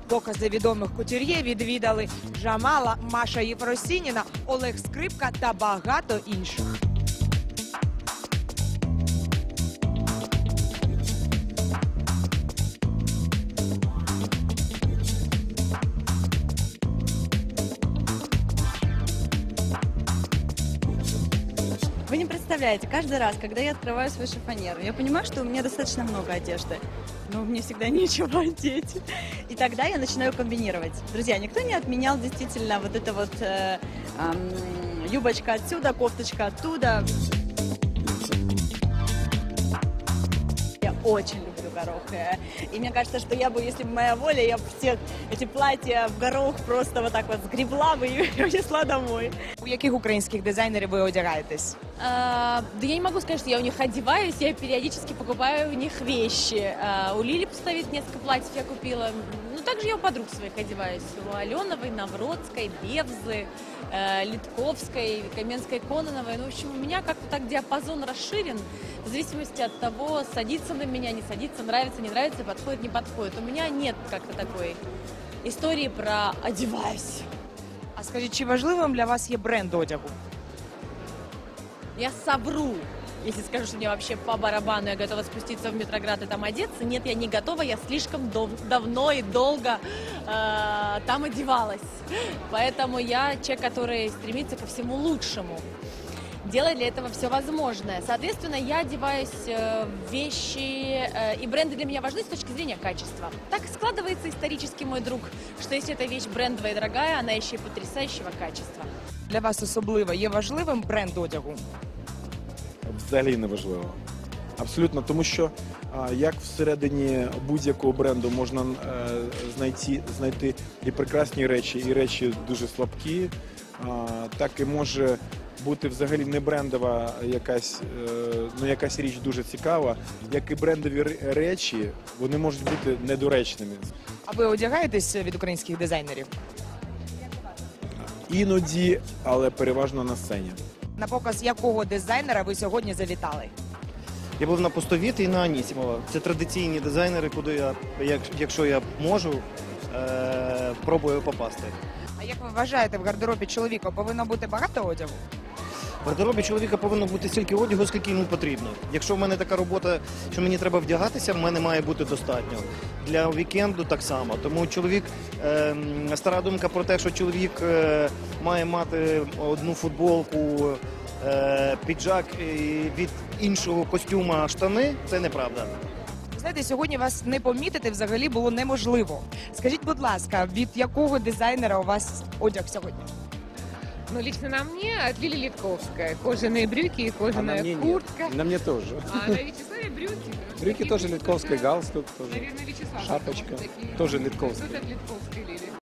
Покази відомих кутюр'є відвідали Джамала, Маша Єфросініна, Олег Скрипка та багато інших. Вы не представляете, каждый раз, когда я открываю свою шифоньеру, я понимаю, что у меня достаточно много одежды, но мне всегда нечего одеть. И тогда я начинаю комбинировать. Друзья, никто не отменял действительно вот это вот юбочка отсюда, кофточка оттуда. Я очень люблю горох. И мне кажется, что я бы, если бы моя воля, я бы все эти платья в горох просто вот так вот сгребла бы и унесла домой. У яких українських дизайнерів ви одягаєтесь? Да я не могу сказать, что я у них одеваюсь, я периодически покупаю у них вещи. У Лили поставить несколько платьев я купила. Ну, также я у подруг своих одеваюсь. У Аленовой, Навродской, Бевзы, Литковской, Каменской, Кононовой. Ну, в общем, у меня как-то так диапазон расширен, в зависимости от того, садится на меня, не садится, нравится, не нравится, подходит, не подходит. У меня нет как-то такой истории про «одеваюсь». А скажіть, чи важливим для вас є бренд одягу? Я совру, если скажу, что мне вообще по барабану, я готова спуститься в Метроград и там одеться. Нет, я не готова, я слишком давно и долго там одевалась. Поэтому я человек, который стремится ко всему лучшему. Делает для этого все возможное. Соответственно, я одеваюсь в вещи, и бренды для меня важны с точки зрения качества. Так складывается исторически, мой друг, что если эта вещь брендовая и дорогая, она еще и потрясающего качества. Для вас особливо є важливим бренд одягу? Взагалі не важливо. Абсолютно, тому що як всередині будь-якого бренду можна знайти і прекрасні речі, і речі дуже слабкі, так і може бути взагалі не брендова якась річ дуже цікава, як і брендові речі, вони можуть бути недоречними. А ви одягаєтесь від українських дизайнерів? Іноді, але переважно на сцені. На показ якого дизайнера ви сьогодні завітали? Я був на Пустовіт і на Анісімова. Це традиційні дизайнери, куди я, якщо я можу, пробую попасти. А як ви вважаєте, в гардеробі чоловіка повинно бути багато одягу? В гардеробі чоловіка повинно бути стільки одягу, скільки йому потрібно. Якщо в мене така робота, що мені треба вдягатися, в мене має бути достатньо. Для вікенду так само. Тому стара думка про те, що чоловік має мати одну футболку, піджак і від іншого костюма штани, це неправда. Знаєте, сьогодні вас не помітити взагалі було неможливо. Скажіть, будь ласка, від якого дизайнера у вас одяг сьогодні? Ну, лично на мне от Лили Литковская. Кожаные брюки и кожаная куртка. На мне тоже. А на Вячеславе брюки. Брюки тоже Литковской, галстук тоже. Наверное, Вячеслав. Шапочка. Такие. Тоже Литковской. Тут от Литковской Лили.